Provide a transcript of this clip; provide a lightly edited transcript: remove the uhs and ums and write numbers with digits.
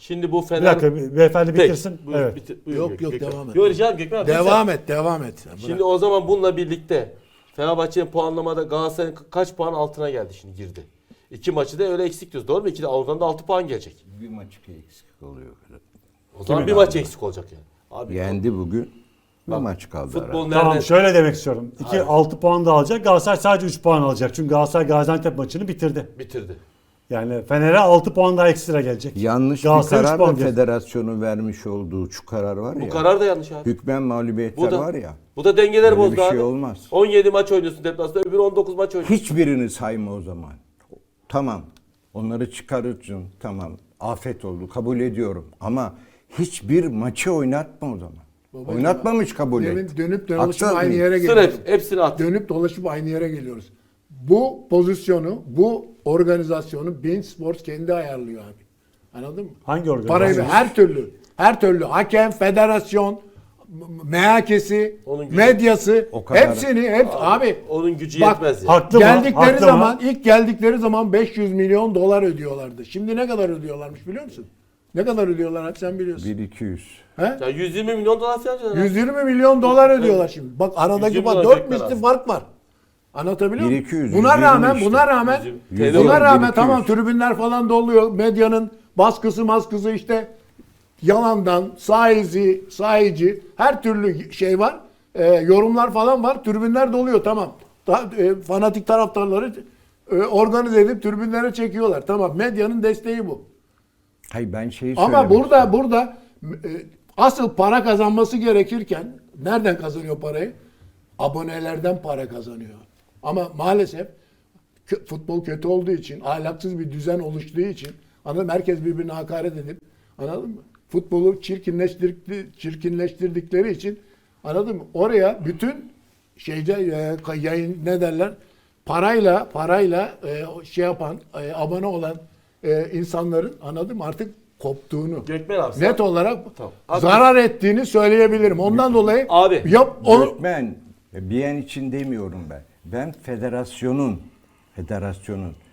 Şimdi bu Bir Fener... dakika beyefendi Peki, bitirsin. buyur, Evet. buyur, Yok, Gökmen. devam et. Yok rica ederim Gökmen abi. Devam et. Şimdi o zaman bununla birlikte Fenerbahçe'nin puanlamada Galatasaray'ın kaç puan altına geldi şimdi girdi. 2 maçı da öyle eksik diyoruz. Doğru mu? Oradan da 6 puan gelecek. Bir maç eksik oluyor. O zaman bir abi? maç eksik olacak yani. Abi, Yendi bugün. Bir Bak, maç kaldı futbol herhalde. nerede? Tamam şöyle demek istiyorum. 6 puan da alacak. Galatasaray sadece 3 puan alacak. Çünkü Galatasaray Gaziantep maçını bitirdi. Bitirdi. Yani Fener'e 6 puan daha ekstra gelecek. Yanlış bir Galatasaray üç karar puan da gelecek. federasyonun vermiş olduğu şu karar var ya. Bu karar da yanlış abi. Hükmen mağlubiyetler Bu da, var ya. bu da dengeler Böyle bozdu bir şey abi. olmaz. 17 maç oynuyorsun deplasmanda, öbürü 19 maç oynuyorsun. Hiçbirini sayma o zaman. Tamam. Onları çıkarırsın. Tamam. Afet oldu. Kabul ediyorum. Ama hiçbir maçı oynatma o zaman. Babacığım, Oynatmamış kabul et. Dönüp dolaşıp Haksız aynı mıyım? yere Sır geliyoruz. hepsini at. Dönüp dolaşıp aynı yere geliyoruz. Bu pozisyonu, bu organizasyonu Bein Sports kendi ayarlıyor abi. Anladın mı? Hangi organizasyon? Parayı her türlü hakem, federasyon, MHK'si, Onun gücü- medyası, O kadar. hep abi. Onun gücü Bak, yetmez ya. Haklı mı? Geldikleri Haklı zaman, mı? ilk geldikleri zaman 500 milyon dolar ödüyorlardı. Şimdi ne kadar ödüyorlarmış biliyor musun? Ne kadar ödüyorlar abi sen biliyorsun. 1-200. He? Ya 120 milyon dolar falan diyorlar. 120 milyon dolar ödüyorlar şimdi. Bak aradaki 120 bak dolar 4 tekrar misli az. fark var. Anlatabiliyor muyum? 1-200, Buna 120 rağmen işte. buna rağmen 120. buna rağmen 1-200. tamam tribünler falan doluyor. Medyanın baskısı işte yalandan sahici her türlü şey var. Yorumlar falan var. Tribünler doluyor tamam. Fanatik taraftarları organize edip tribünlere çekiyorlar. Tamam medyanın desteği bu. Hayır ben şeyi Ama söylemek istiyorum. burada asıl para kazanması gerekirken nereden kazanıyor parayı? Abonelerden para kazanıyor. Ama maalesef futbol kötü olduğu için, ahlaksız bir düzen oluştuğu için anladın mı? Herkes birbirine hakaret edip anladın mı? Futbolu çirkinleştirdikleri için anladın mı? Oraya bütün yayın ne derler? Parayla şey yapan, abone olan insanların anladın mı? Artık koptuğunu, Gökmen abi. net olarak Tamam. Abi- zarar ettiğini söyleyebilirim. Ondan dolayı Abi, Ben bir an için demiyorum ben. Ben federasyonun